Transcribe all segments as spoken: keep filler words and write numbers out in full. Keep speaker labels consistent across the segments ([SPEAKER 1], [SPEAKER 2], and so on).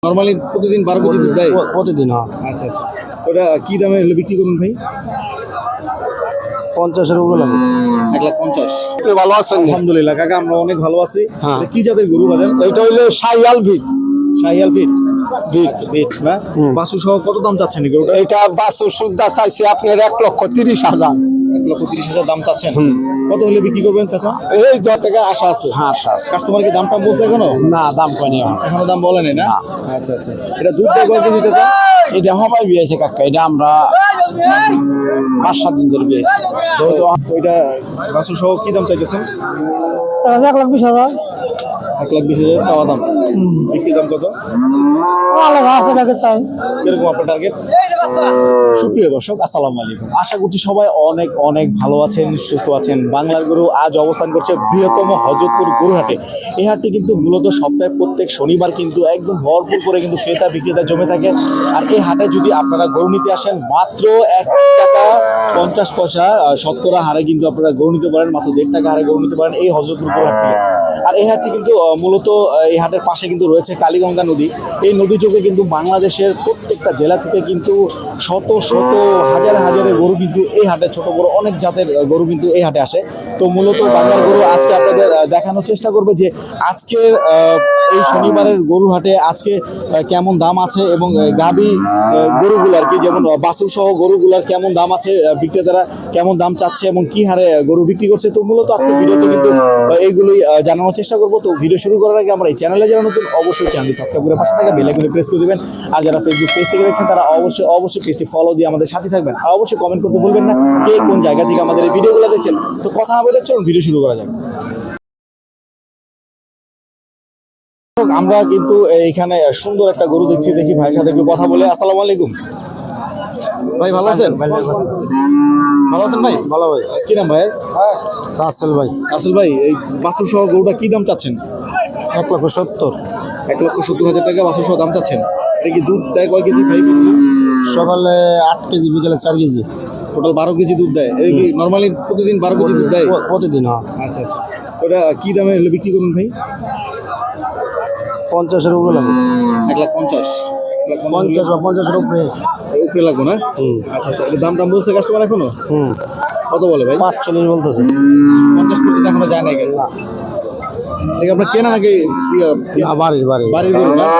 [SPEAKER 1] Normally প্রতিদিন বারো KG দুধ দেয়?
[SPEAKER 2] প্রতিদিন। হ্যাঁ।
[SPEAKER 1] আচ্ছা আচ্ছা, ওটা কি দামে হলে বিক্রি করুন ভাই?
[SPEAKER 2] পঞ্চাশের উপরে লাগবে।
[SPEAKER 1] এক লাখ পঞ্চাশ।
[SPEAKER 2] ভালো আছেন?
[SPEAKER 1] আলহামদুলিল্লাহ কাকা, আমরা অনেক ভালো আছি।
[SPEAKER 2] হ্যাঁ।
[SPEAKER 1] এটা কি জাতের গরু বাজার?
[SPEAKER 2] এটা হইলো শাহিয়াল ভিট।
[SPEAKER 1] শাহিয়াল ফিট
[SPEAKER 2] ভিট।
[SPEAKER 1] আচ্ছা, ফিট না? বাসু সহ কত দাম চাচ্ছেন এই গরুটা?
[SPEAKER 2] এটা বাছুর সুদ্ধা চাইছে আপনার এক লক্ষ তিরিশ হাজার।
[SPEAKER 1] এক লক্ষ তিরিশ হাজার দাম চাচ্ছেন। কত হলে বিক্রি করবেন চাচা?
[SPEAKER 2] এই দশ
[SPEAKER 1] টাকা আশা আছে।
[SPEAKER 2] হ্যাঁ আশা আছে।
[SPEAKER 1] কাস্টমার কি দাম টাম বলছে এখনো?
[SPEAKER 2] না দাম কয়নি
[SPEAKER 1] এখনো দাম বলেনি না? আচ্ছা আচ্ছা, এটা দুধ দেয় কয় কেজি চাচা?
[SPEAKER 2] এটা হবাই বিয়েছে কাকা, এটা আমরা পাঁচ সাত দিন ধরে বিয়েছি।
[SPEAKER 1] তো ওইটা বাসু সহ কি দাম চাইতেছেন?
[SPEAKER 2] এক লাখ বিশ হাজার।
[SPEAKER 1] এক লাখ বিশ হাজার চাওয়া দাম। বিক্রি দাম কত?
[SPEAKER 2] চাই
[SPEAKER 1] এরকম আপনার টার্গেট? সুপ্রিয় দর্শক, আসসালামু আলাইকুম। আশা করছি সবাই অনেক অনেক ভালো আছেন, সুস্থ আছেন। বাংলার গরু আজ অবস্থান করছে বৃহত্তম হযরতপুর গরুহাটে। এই হাটটি কিন্তু মূলত সপ্তাহে প্রত্যেক শনিবার কিন্তু একদম ভরপুর করে কিন্তু ক্রেতা বিক্রেতা জমে থাকে। আর এই হাটে যদি আপনারা গরু নিতে আসেন মাত্র এক টাকা পঞ্চাশ পয়সা শতকরা হারে কিন্তু আপনারা গরু নিতে পারেন, মাত্র দেড় টাকা হারে গরু নিতে পারেন এই হযরতপুর গরুহাট থেকে। আর এই হাটটি কিন্তু মূলত এই হাটের পাশে কিন্তু রয়েছে কালীগঙ্গা নদী। এই নদী যোগে কিন্তু বাংলাদেশের প্রত্যেকটা জেলা থেকে কিন্তু শত শত হাজার হাজারে গরু কিন্তু এই হাটে, ছোট বড় অনেক জাতের গরু কিন্তু এই হাটে আসে। তো মূলত বাংলার গরু আজকে আপনাদের দেখানোর চেষ্টা করবে যে আজকের এই শনিবারের গরু হাটে আজকে কেমন দাম আছে এবং গাভী গরুগুলো আর কি, যেমন বাছুর সহ গরুগুলার কেমন দাম আছে, বিক্রেতারা কেমন দাম চাচ্ছে এবং কি হারে গরু বিক্রি করছে। তো মূলত আজকে ভিডিওতে কিন্তু এইগুলোই জানানোর চেষ্টা করবো। তো ভিডিও শুরু করার আগে আমরা এই চ্যানেলে যারা নতুন অবশ্যই চ্যানেলটি সাবস্ক্রাইব করে পাশে থাকা বেল আইকনে প্রেস করে দিবেন। আর যারা ফেসবুক পেজ থেকে দেখছেন তারা অবশ্যই অবশ্যই পেজটি ফলো দিয়ে আমাদের সাথে থাকবেন। আর অবশ্যই কমেন্ট করতে ভুলবেন না কে কোন জায়গা থেকে আমাদের এই ভিডিওগুলো দেখছেন। তো কথা না বলে চলুন ভিডিও শুরু করা যাক। আমরা কিন্তু এইখানে সুন্দর একটা গরু দেখছি, দেখি ভাইয়ের সাথে একটু কথা বলে। আসসালামু আলাইকুম ভাই, ভালো আছেন? ভালো আছেন ভাই?
[SPEAKER 2] ভালো ভাই।
[SPEAKER 1] কি নাম ভাইয়ের?
[SPEAKER 2] রাসেল ভাই।
[SPEAKER 1] রাসেল ভাই, এই বাছুর সহ গরুটা কি দাম চাচ্ছেন?
[SPEAKER 2] এক লক্ষ সত্তর।
[SPEAKER 1] এক লক্ষ সত্তর হাজার টাকা বাছুর সহ দাম চাচ্ছেন। এটা কি দুধ দেয় কয় কেজি ভাই?
[SPEAKER 2] সকালে আট কেজি, বিকেলে চার কেজি,
[SPEAKER 1] টোটাল বারো কেজি দুধ দেয়। এই কি নর্মালি প্রতিদিন বারো কেজি দুধ দেয়?
[SPEAKER 2] প্রতিদিন। হ্যাঁ।
[SPEAKER 1] আচ্ছা আচ্ছা, ওটা কি দামে হলে বিক্রি করুন ভাই?
[SPEAKER 2] পঞ্চাশের উপরে লাগবে।
[SPEAKER 1] এক লাখ পঞ্চাশ।
[SPEAKER 2] পঞ্চাশ বা পঞ্চাশের উপরে
[SPEAKER 1] উপরে লাগবো না? আচ্ছা আচ্ছা, এটা দাম টাম বলছে কাস্টমার এখনো?
[SPEAKER 2] হুম
[SPEAKER 1] কত বলে ভাই?
[SPEAKER 2] পাঁচচল্লিশ বলতেছে।
[SPEAKER 1] পঞ্চাশ পর্যন্ত এখনো যায় নাই কেন? আপনার কেনা নাকি
[SPEAKER 2] বাড়ির বাড়ি
[SPEAKER 1] বাড়ির গরু না?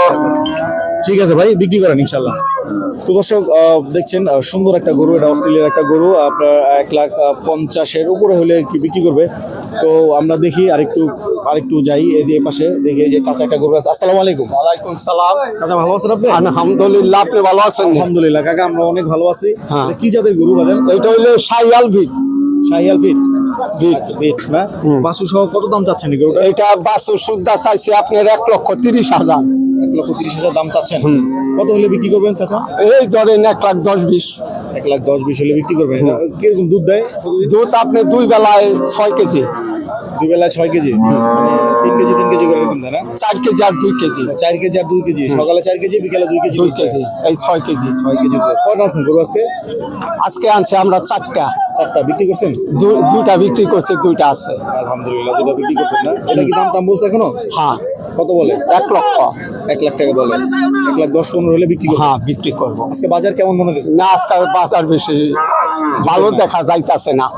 [SPEAKER 1] ঠিক আছে ভাই, বিক্রি করেন ইনশাল্লাহ। তো দর্শক দেখছেন সুন্দর একটা গরু, এটা অস্ট্রেলিয়ার একটা গরু, আপনার এক লাখ পঞ্চাশের উপরে হলে কি বিক্রি করবে। তো আমরা দেখি আরেকটু আরেকটু যাই এই পাশে, দেখি যে চাচা একটা গরু আছে। আসসালামু আলাইকুম।
[SPEAKER 2] ওয়ালাইকুম সালাম।
[SPEAKER 1] চাচা ভালো আছেন আপনি?
[SPEAKER 2] আলহামদুলিল্লাহ, আপনি ভালো আছেন?
[SPEAKER 1] আলহামদুলিল্লাহ কাকা, আমরা অনেক ভালো আছি।
[SPEAKER 2] হ্যাঁ।
[SPEAKER 1] কি জাতের গরু বাজার?
[SPEAKER 2] এটা হইলো শাহিয়াল ভিট।
[SPEAKER 1] শাহিয়াল ফিট
[SPEAKER 2] ভিট।
[SPEAKER 1] ফিট না? বাছু সহ কত দাম চাচ্ছেন এই গরুটা?
[SPEAKER 2] এটা বাছুর সুদ্ধা চাইছে আপনার এক লক্ষ তিরিশ হাজার।
[SPEAKER 1] এক লক্ষ তিরিশ হাজার দাম চাচ্ছেন। কত হলে বিক্রি করবেন চাচা?
[SPEAKER 2] এই ধরেন এক লাখ দশ বিশ।
[SPEAKER 1] এক লাখ দশ বিশ হলে বিক্রি করবেন। এটা কিরকম দুধ দেয়?
[SPEAKER 2] দুধ আপনি দুই বেলায় ছয় কেজি।
[SPEAKER 1] দুই বেলায় ছয় কেজি, মানে তিন কেজি তিন কেজি করে এরকম দেয় না?
[SPEAKER 2] চার কেজি আর দুই কেজি।
[SPEAKER 1] চার কেজি আর দুই কেজি, সকালে চার কেজি বিকালে দুই কেজি।
[SPEAKER 2] দুই কেজি, এই ছয় কেজি।
[SPEAKER 1] ছয় কেজি দুধ। কয়টা আছেন গরু আজকে?
[SPEAKER 2] আজকে আনছে আমরা চারটা।
[SPEAKER 1] চারটা বিক্রি করছেন?
[SPEAKER 2] দু- দুইটা বিক্রি করছে, দুইটা আছে।
[SPEAKER 1] আলহামদুলিল্লাহ, দুটো বিক্রি করছেন না? এটা কি দাম টাম বলছে এখনো?
[SPEAKER 2] হ্যাঁ।
[SPEAKER 1] কত বলে?
[SPEAKER 2] এক লক্ষ।
[SPEAKER 1] এক লাখ টাকা বলে। এক লাখ দশ পনেরো হলে বিক্রি করবেন?
[SPEAKER 2] হ্যাঁ বিক্রি করবো।
[SPEAKER 1] আজকে বাজার কেমন মনে হচ্ছে?
[SPEAKER 2] না আজকে বাজার বেশি ভালো দেখা যাইতাছে না।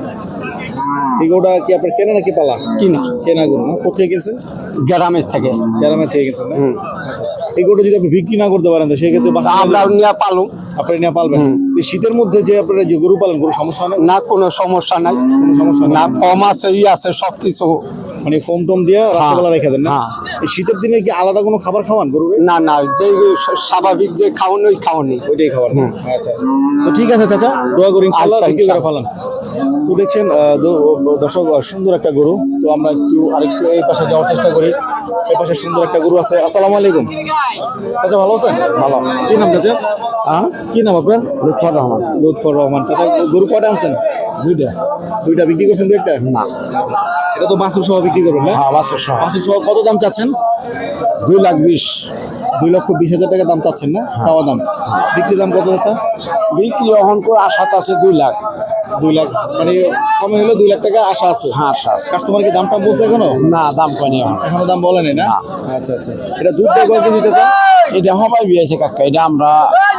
[SPEAKER 1] এই গরুটা কি আপনার কেনা নাকি পালা?
[SPEAKER 2] কিনা।
[SPEAKER 1] কেনা গরু না? কোথায় কিনছেন?
[SPEAKER 2] গ্রামের থেকে।
[SPEAKER 1] গ্রামের থেকে কিনছেন না? এই গরুটা যদি আপনি বিক্রি না করতে পারেন তো সেক্ষেত্রে
[SPEAKER 2] আমরা নিয়ে পালু।
[SPEAKER 1] আপনি নিয়ে পালবেন? এই শীতের মধ্যে যে আপনারা যে গরু পালন, গরু সমস্যা হয় না?
[SPEAKER 2] না কোনো সমস্যা নাই।
[SPEAKER 1] কোনো সমস্যা
[SPEAKER 2] না
[SPEAKER 1] না?
[SPEAKER 2] ফর্ম আছে, ই আছে, সবকিছু।
[SPEAKER 1] মানে ফোম টোম দিয়ে রাত্রেবেলা রেখে দেন না?
[SPEAKER 2] হ্যাঁ।
[SPEAKER 1] এই শীতের দিনে কি আলাদা কোনো খাবার খাওয়ান গরুর?
[SPEAKER 2] না না, যে স্বাভাবিক যে খাওয়ানো ওই খাওয়ানি।
[SPEAKER 1] ওইটাই খাবার না? আচ্ছা আচ্ছা, তো ঠিক আছে চাচা, দোয়া করি ইনশাআল্লাহ
[SPEAKER 2] আচ্ছা,
[SPEAKER 1] বিক্রি করে
[SPEAKER 2] ইনশাআল্লাহ।
[SPEAKER 1] ফেলান। তো দেখছেন দর্শক সুন্দর একটা গরু। তো আমরা একটু আরেকটু এই পাশে যাওয়ার চেষ্টা করি। এই পাশে সুন্দর একটা গরু আছে। আসসালামু আলাইকুম চাচা, ভালো আছেন?
[SPEAKER 2] ভালো।
[SPEAKER 1] কি নাম চাচা?
[SPEAKER 2] হ্যাঁ,
[SPEAKER 1] কি নাম আপনার?
[SPEAKER 2] লুৎফর রহমান।
[SPEAKER 1] লুৎফর রহমান। চাচা গরু কয়টা আনছেন?
[SPEAKER 2] দুইটা।
[SPEAKER 1] দুইটা বিক্রি করছেন? দু একটা
[SPEAKER 2] না,
[SPEAKER 1] এটা তো বাছুর সহ বিক্রি করবেন না?
[SPEAKER 2] হ্যাঁ বাছুর সহ।
[SPEAKER 1] বাছুর সহ কত দাম চাচ্ছেন?
[SPEAKER 2] দুই লাখ বিশ।
[SPEAKER 1] দুই লক্ষ বিশ হাজার টাকা দাম চাচ্ছেন না চাওয়া দাম? বিক্রি দাম কত চাচা?
[SPEAKER 2] বিক্রি এখন করে আশাত আছে দুই লাখ।
[SPEAKER 1] দুই লাখ মানে কমে হলো দুই লাখ টাকা আশা আছে।
[SPEAKER 2] হ্যাঁ আশা আছে।
[SPEAKER 1] কাস্টমার কি দাম টাম বলছে এখনো?
[SPEAKER 2] না দাম কয়নি এখন।
[SPEAKER 1] এখনো দাম বলেনি না? আচ্ছা আচ্ছা, এটা দুধ দেয় কয় কেজি চাচা?
[SPEAKER 2] এটা হবাই বিয়েছে কাকা, এটা আমরা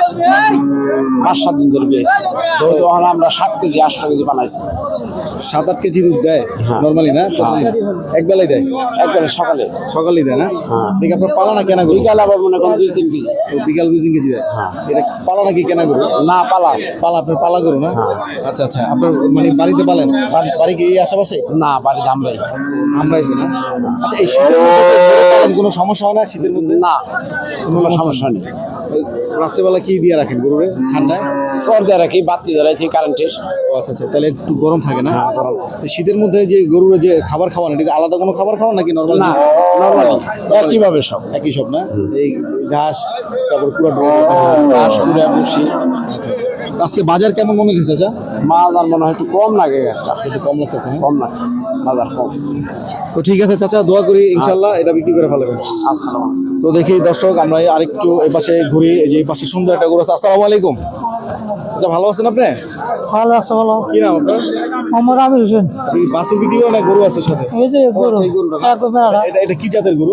[SPEAKER 2] পাঁচ সাত দিন ধরে বিয়েছি। তখন আমরা সাত কেজি আটটা কেজি বানাইছি।
[SPEAKER 1] সাত আট কেজি দুধ দেয়
[SPEAKER 2] হ্যাঁ।
[SPEAKER 1] নর্মালি না? এক বেলায় দেয়?
[SPEAKER 2] একবারে সকালে
[SPEAKER 1] সকালেই দেয় না?
[SPEAKER 2] হ্যাঁ।
[SPEAKER 1] ঠিক, আপনার পালা না কেনা গরু?
[SPEAKER 2] বিকালে আবার মনে করেন দুই তিন কেজি।
[SPEAKER 1] ও, বিকাল দুই তিন কেজি দেয়?
[SPEAKER 2] হ্যাঁ।
[SPEAKER 1] এটা পালা নাকি কেনা গরু?
[SPEAKER 2] না পালা
[SPEAKER 1] পালা, আপনার পালা গরু না?
[SPEAKER 2] হ্যাঁ।
[SPEAKER 1] আচ্ছা আচ্ছা, আপনার মানে বাড়িতে পালেন? বাড়ি বাড়ি কি এই আশেপাশে?
[SPEAKER 2] না বাড়িতে আমরাই।
[SPEAKER 1] আমরাই তো না? আচ্ছা, এই শীতের মধ্যে তো গরু পালন কোনো সমস্যা হয় না শীতের মধ্যে?
[SPEAKER 2] না কোনো সমস্যা নেই।
[SPEAKER 1] ওই রাত্রেবেলা কি দিয়ে রাখেন গরুরে ঠান্ডায়?
[SPEAKER 2] সর দিয়ে রাখি, বাতি ধরাইছি কারেন্টের।
[SPEAKER 1] ও আচ্ছা আচ্ছা, তাহলে একটু গরম থাকে না?
[SPEAKER 2] হ্যাঁ, গরম থাকে।
[SPEAKER 1] এই শীতের মধ্যে যে গরুর যে খাবার খাওয়ান, এটা কি আলাদা কোনো খাবার খাওয়ান নাকি নর্মাল?
[SPEAKER 2] না নর্মালি একইভাবে সব।
[SPEAKER 1] একই সব না? এই ঘাস, তারপর পুরো
[SPEAKER 2] ঘাস কুড়ে বসি।
[SPEAKER 1] আচ্ছা, আজকে বাজার কেমন মনে হচ্ছে চাচা?
[SPEAKER 2] মাছ আর মনে হয় একটু কম লাগে একটা।
[SPEAKER 1] একটু কম লাগতেছে না?
[SPEAKER 2] কম লাগতেছে, বাজার কম।
[SPEAKER 1] তো ঠিক আছে চাচা, দোয়া করি ইনশাল্লাহ এটা বিক্রি করে ফেলবেন।
[SPEAKER 2] আসসালাম।
[SPEAKER 1] তো দেখি দর্শক, আমরা আরেকটু এই পাশে ঘুরি। এই যে এই পাশে সুন্দর একটা গরু আছে। আসসালামু আলাইকুম। আচ্ছা, ভালো আছেন আপনি?
[SPEAKER 3] ভালো আছে ভালো।
[SPEAKER 1] কি নাম আপনার?
[SPEAKER 3] আমার আমির হোসেন।
[SPEAKER 1] আপনি বাছুর বিক্রি করেন না গরু আছে সাথে?
[SPEAKER 3] এই যে গরু
[SPEAKER 1] আচ্ছা, এই গরুটা না?
[SPEAKER 3] এক বেড়া
[SPEAKER 1] এটা এটা কি জাতের গরু?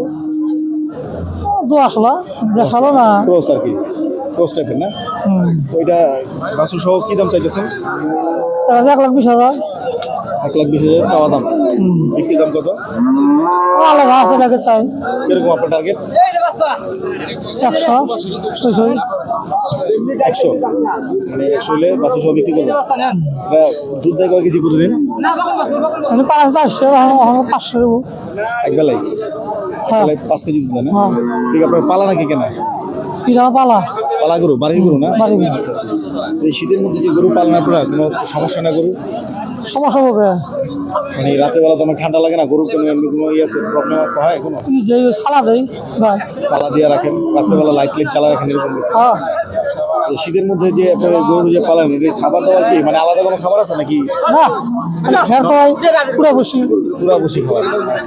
[SPEAKER 3] দু আসলা দেখালো না।
[SPEAKER 1] ক্রস আর কি, ক্রস টাইপের না?
[SPEAKER 3] হুম।
[SPEAKER 1] ওইটা বাছুর সহ কি দাম চাইতেছেন?
[SPEAKER 3] তাহলে এক লাখ বিশ হাজার।
[SPEAKER 1] এক লাখ বিশ হাজার চাওয়া দাম।
[SPEAKER 3] হুম।
[SPEAKER 1] বিক্রি দাম কত?
[SPEAKER 3] আলাদা আছে নাকি চাই
[SPEAKER 1] কিরকম আপনার টার্গেট?
[SPEAKER 3] একশো ছয়শো।
[SPEAKER 1] একশো, মানে একশো হলে বাছুর সহ বিক্রি করবেন। এটা দুধ দেয় কয় কেজি প্রতিদিন?
[SPEAKER 3] আমি পাঁচ চারশো পাঁচশো দেবো।
[SPEAKER 1] এক বেলায়?
[SPEAKER 3] হ্যাঁ
[SPEAKER 1] বেলায় পাঁচ কেজি দুধ দেয় না?
[SPEAKER 3] হ্যাঁ।
[SPEAKER 1] ঠিক, আপনার পালা নাকি কেনা?
[SPEAKER 3] কিরা পালা
[SPEAKER 1] পালা গরু, বাড়ির গরু না?
[SPEAKER 3] বাড়ির গরু।
[SPEAKER 1] আচ্ছা, আচ্ছা। এই শীতের মধ্যে যে গরু পালন আপনারা, কোনো সমস্যা না গরু?
[SPEAKER 3] সমস্যা হবে।
[SPEAKER 1] মানে রাতের বেলা তো অনেক ঠান্ডা লাগে না, গরু কোনো এমনি কোনো ইয়ে আছে, প্রবলেম হয় কোনো?
[SPEAKER 3] এই যে সালা দেয় গায়ে।
[SPEAKER 1] সালা দিয়ে রাখেন, রাত্রেবেলা লাইট লাইট জ্বালা রাখেন, এরকম কিছু?
[SPEAKER 3] হ্যাঁ
[SPEAKER 1] এই শীতের মধ্যে যে আপনার গরু যে পালেন, এটা খাবার দাবার কি মানে আলাদা কোনো খাবার আছে নাকি?
[SPEAKER 3] না খালি খেয়ার খাওয়াই পুরো বসি।
[SPEAKER 1] পুরা বসি খাবার?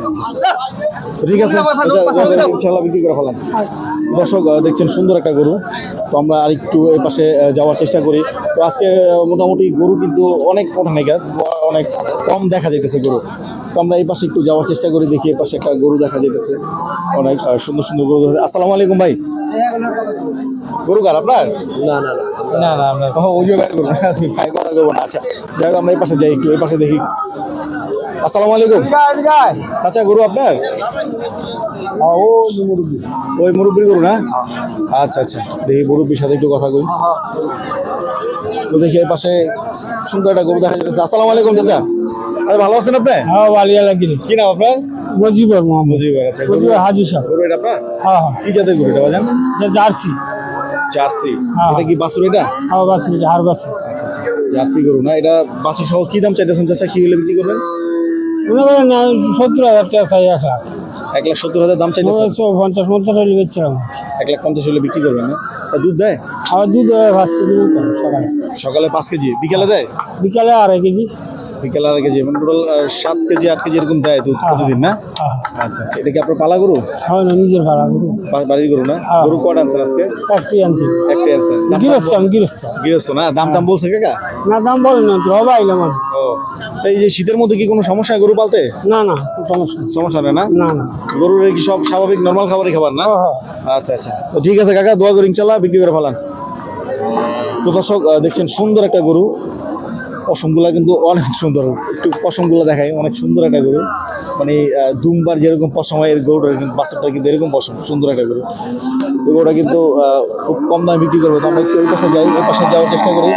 [SPEAKER 1] তো ঠিক আছে, আচ্ছা, ইনশাআল্লাহ বিক্রি করে ফেলাম। দর্শক আহ, দেখছেন সুন্দর একটা গরু। তো আমরা আরেকটু এই পাশে আহ, যাওয়ার চেষ্টা করি। তো আজকে আহ, মোটামুটি গরু কিন্তু অনেক ওঠানে গেছে, অনেক কম দেখা যাইতেছে গরু। তো আমরা এই পাশে একটু যাওয়ার চেষ্টা করি, দেখি এই পাশে একটা গরু দেখা যাইতেছে, অনেক আহ, সুন্দর সুন্দর গরু দেখা- আসসালামু আলাইকুম ভাই। গরু কার আপনার?
[SPEAKER 3] না না না না না
[SPEAKER 1] ও, ওই জায়গায় গরু না, আপনি ভাই কথা করবো না। আচ্ছা, যাই হোক, আমরা এই পাশে যাই, একটু এই পাশে দেখি। আসসালামু আলাইকুম। আচ্ছা, গরু আপনার? ওই মুরব্বীর গরু না? আচ্ছা আচ্ছা, দেখি মুরব্বীর সাথে একটু কথা কই। তো দেখি এই পাশে সুন্দর একটা গরু দেখা যাচ্ছে। আসসালামু আলাইকুম চাচা। আরে, ভালো আছেন আপনি?
[SPEAKER 3] হ্যাঁ বালিয়া লাগিনি
[SPEAKER 1] কি নাম আপনার?
[SPEAKER 3] মজিবর মোহাম্মদ
[SPEAKER 1] মুজিবুর। আচ্ছা, গরু
[SPEAKER 3] মজিবর হাজি সাহেব।
[SPEAKER 1] গরু এটা আপনার?
[SPEAKER 3] হ্যাঁ হ্যাঁ
[SPEAKER 1] কি জাতের গরু এটা বাজান?
[SPEAKER 3] এটা জার্সি।
[SPEAKER 1] জার্সি?
[SPEAKER 3] হ্যাঁ।
[SPEAKER 1] এটা কি বাছুর এটা?
[SPEAKER 3] হ্যাঁ বাসি হার বাসি।
[SPEAKER 1] আচ্ছা আচ্ছা, জার্সি গরু না? এটা বাছুর সহ কি দাম চাইতেছেন চাচা? কি হলে বিক্রি করবেন?
[SPEAKER 3] মনে করেন না সত্তর হাজার টাকা চাই এক লাখ।
[SPEAKER 1] এক লাখ সত্তর হাজার দাম
[SPEAKER 3] মনে
[SPEAKER 1] চাইতেছেন?
[SPEAKER 3] হচ্ছে পঞ্চাশ পঞ্চাশ হলে বেচছিলাম।
[SPEAKER 1] এক লাখ পঞ্চাশ হলে বিক্রি করবেন না? তা দুধ দেয়?
[SPEAKER 3] আবার দুধ হয় পাঁচ কেজি মতো সকালে,
[SPEAKER 1] সকালে পাঁচ কেজি, বিকালে দেয়?
[SPEAKER 3] বিকালে আড়াই কেজি।
[SPEAKER 1] বিকালে আড়াই কেজি, মানে টোটাল সাত কেজি আট কেজি এরকম দেয় দুধ
[SPEAKER 3] হ্যাঁ।
[SPEAKER 1] প্রতিদিন না?
[SPEAKER 3] হ্যাঁ
[SPEAKER 1] আচ্ছা আচ্ছা, এটা কি আপনার পালা গরু?
[SPEAKER 3] হয় না নিজের ভাড়া গরু
[SPEAKER 1] বা- বাড়ির গরু না?
[SPEAKER 3] হ্যাঁ।
[SPEAKER 1] গরু কটা আনছেন আজকে?
[SPEAKER 3] একটি আনছি।
[SPEAKER 1] একটাই আনছেন? দাম টাম
[SPEAKER 3] গৃহস্থ
[SPEAKER 1] বল-
[SPEAKER 3] আমি গৃহস্থ।
[SPEAKER 1] গৃহস্থ না? দাম টাম বলছে কাকা?
[SPEAKER 3] না দাম বলেন না তো হবে আইলাম আমি।
[SPEAKER 1] ও, এই যে শীতের মধ্যে কি কোনো সমস্যা হয় গরু পালতে?
[SPEAKER 3] না না কোনো সমস্যা নেই।
[SPEAKER 1] সমস্যা নেই না?
[SPEAKER 3] না না
[SPEAKER 1] গরুর কি সব স্বাভাবিক নর্মাল খাবারই খাবার না?
[SPEAKER 3] হ্যাঁ, হ্যাঁ।
[SPEAKER 1] আচ্ছা আচ্ছা, তো ঠিক আছে কাকা, দোয়া করি ইনশাল্লাহ বিক্রি করে ফেলান। তো দর্শক আহ, দেখছেন সুন্দর একটা গরু, পশমগুলা কিন্তু অনেক সুন্দর। একটু পশমগুলো দেখাই, অনেক সুন্দর একটা গরু। মানে আহ, দুমবার যেরকম পশম হয়, এর গরুটার কিন্তু বাছুরটা কিন্তু এরকম পশম, সুন্দর একটা গরু। তো গরুটা কিন্তু আহ, খুব কম দামে বিক্রি করবে। তো আমরা একটু ওই পাশে যাই, এই পাশে যাওয়ার চেষ্টা করি।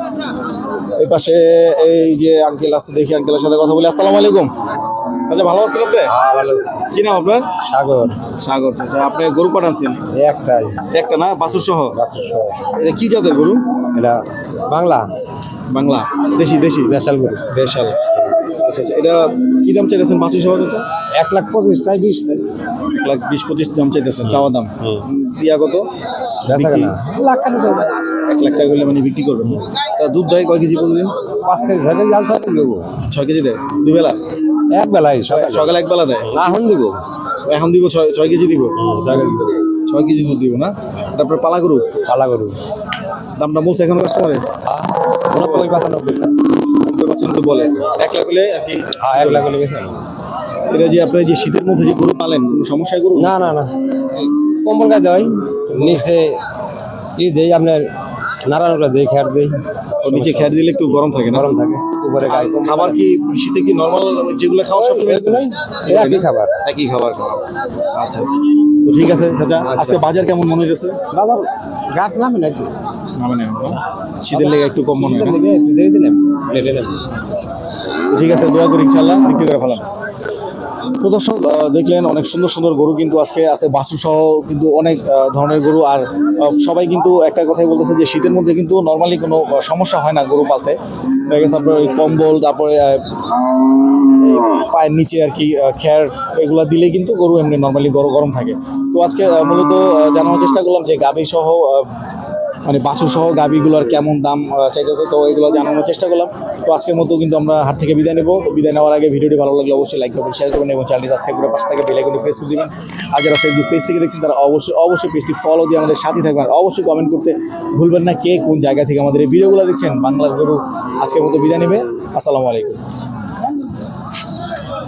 [SPEAKER 1] এই পাশে এই যে আঙ্কেল আছে, দেখি আঙ্কেলের সাথে কথা বলি। আসসালামু আলাইকুম। আচ্ছা, ভালো আছেন আপনি? কি নাম আপনার?
[SPEAKER 3] সাগর।
[SPEAKER 1] সাগর। আচ্ছা, আপনি গরু কটা আনছেন?
[SPEAKER 3] একটাই
[SPEAKER 1] একটা না? বাছুর সহ?
[SPEAKER 3] বাসুর সহ।
[SPEAKER 1] এটা কি জাতের গরু?
[SPEAKER 3] এটা বাংলা
[SPEAKER 1] বাংলা? দেশি? দেশি
[SPEAKER 3] দেশাল গরু।
[SPEAKER 1] দেশাল। আচ্ছা আচ্ছা, এটা কি দাম চাইতেছেন বাছুর সহ চাচা?
[SPEAKER 3] এক লাখ পঁচিশ চাই বিশ চাই।
[SPEAKER 1] এক লাখ বিশ পঁচিশ দাম চাইতেছেন, চাওয়া দাম। উম, ইয়া কত?
[SPEAKER 3] বেচা
[SPEAKER 1] বিক্রি?
[SPEAKER 3] কেনা লাখ কেন করবে?
[SPEAKER 1] এক লাখ টাকা হলে মানে বিক্রি করবেন। তা দুধ দেয় কয় কেজি প্রতিদিন?
[SPEAKER 3] পাঁচ কেজি ছয় কেজি জাল ছয় কেজি দেবো
[SPEAKER 1] ছয় কেজি দেয় দুই বেলা?
[SPEAKER 3] এক বেলায় সকালে।
[SPEAKER 1] সকালে এক বেলা দেয়?
[SPEAKER 3] এখন দিব
[SPEAKER 1] এখন দিব ছয় ছয় কেজি দিব?
[SPEAKER 3] ছয় কেজি দেবো।
[SPEAKER 1] ছয় কেজি দুধ দিব না? তারপরে পালা গরু
[SPEAKER 3] পালা গরু
[SPEAKER 1] দামটা বলছে এখন কাস্টমারে?
[SPEAKER 3] নব্বই পঁচানব্বই।
[SPEAKER 1] বেচছেন তো বলে এক লাখ হলে আর কি।
[SPEAKER 4] হ্যাঁ এক লাখ হলে বেশি হবে।
[SPEAKER 1] এটা যে আপনার যে শীতের মধ্যে যে গরু পালেন কোনো সমস্যায় গরু
[SPEAKER 4] না না না কম্বল গায়ে দেয় নিচে ই দেই আপনার নারায়ণগুলো দেই খেয়ার দেই
[SPEAKER 1] ও নিচে খেয়ার দিলে একটু গরম থাকে না?
[SPEAKER 4] গরম থাকে উপরে গায়ে কম্বল
[SPEAKER 1] খাবার কি শীতে কি নর্মাল যেগুলো খাওয়া সবসময়
[SPEAKER 4] এগুলোই একই খাবার।
[SPEAKER 1] একই খাবার খাওয়া। আচ্ছা আচ্ছা তো ঠিক আছে চাচা, আজকে বাজার কেমন মনে হইতেছে?
[SPEAKER 4] বাজার গাছ নামে নাকি
[SPEAKER 1] নামে না শীতের লেগে একটু কম মনে হয় না?
[SPEAKER 4] একটু দেরি দিলাম লেটে নেব।
[SPEAKER 1] তো ঠিক আছে, দোয়া করি ইনশাল্লাহ বিক্রি করে ফেলাম। তো দর্শক আহ, দেখলেন অনেক সুন্দর সুন্দর গরু কিন্তু আজকে আছে, বাছুর সহ কিন্তু অনেক আহ, ধরনের গরু। আর আহ, সবাই কিন্তু একটা কথাই বলতেছে যে শীতের মধ্যে কিন্তু নর্মালি কোনো আহ, সমস্যা হয় না গরু পালতে। দেখা গেছে আপনার ওই কম্বল, তারপরে আহ, এই পায়ের নিচে আর কি আহ, খ্যার এগুলা দিলেই কিন্তু গরু এমনি নর্মালি গরম গরম থাকে। তো আজকে আহ, মূলত আহ, জানানোর চেষ্টা করলাম যে গাভী সহ আহ, মানে বাছুর সহ গাভীগুলোর কেমন দাম আহ, চাইতেছে, তো এগুলো জানানোর চেষ্টা করলাম। তো আজকের মতো কিন্তু আমরা হাট থেকে বিদায় নেব। তো বিদায় নেওয়ার আগে ভিডিওটি ভালো লাগলে অবশ্যই লাইক করবেন, শেয়ার করবেন এবং চ্যানেলটি সাবস্ক্রাইব করে পাশে থেকে বেল আইকনটি প্রেস করে দিবেন। আর যারা ফেসবুক পেজ থেকে দেখছেন তারা অবশ্যই অবশ্যই পেজটি ফলো দিয়ে আমাদের সাথে থাকবেন। আর অবশ্যই কমেন্ট করতে ভুলবেন না কে কোন জায়গা থেকে আমাদের এই ভিডিওগুলো দেখছেন। বাংলার গরু আজকের মতো বিদায় নেবে। আসসালামু আলাইকুম।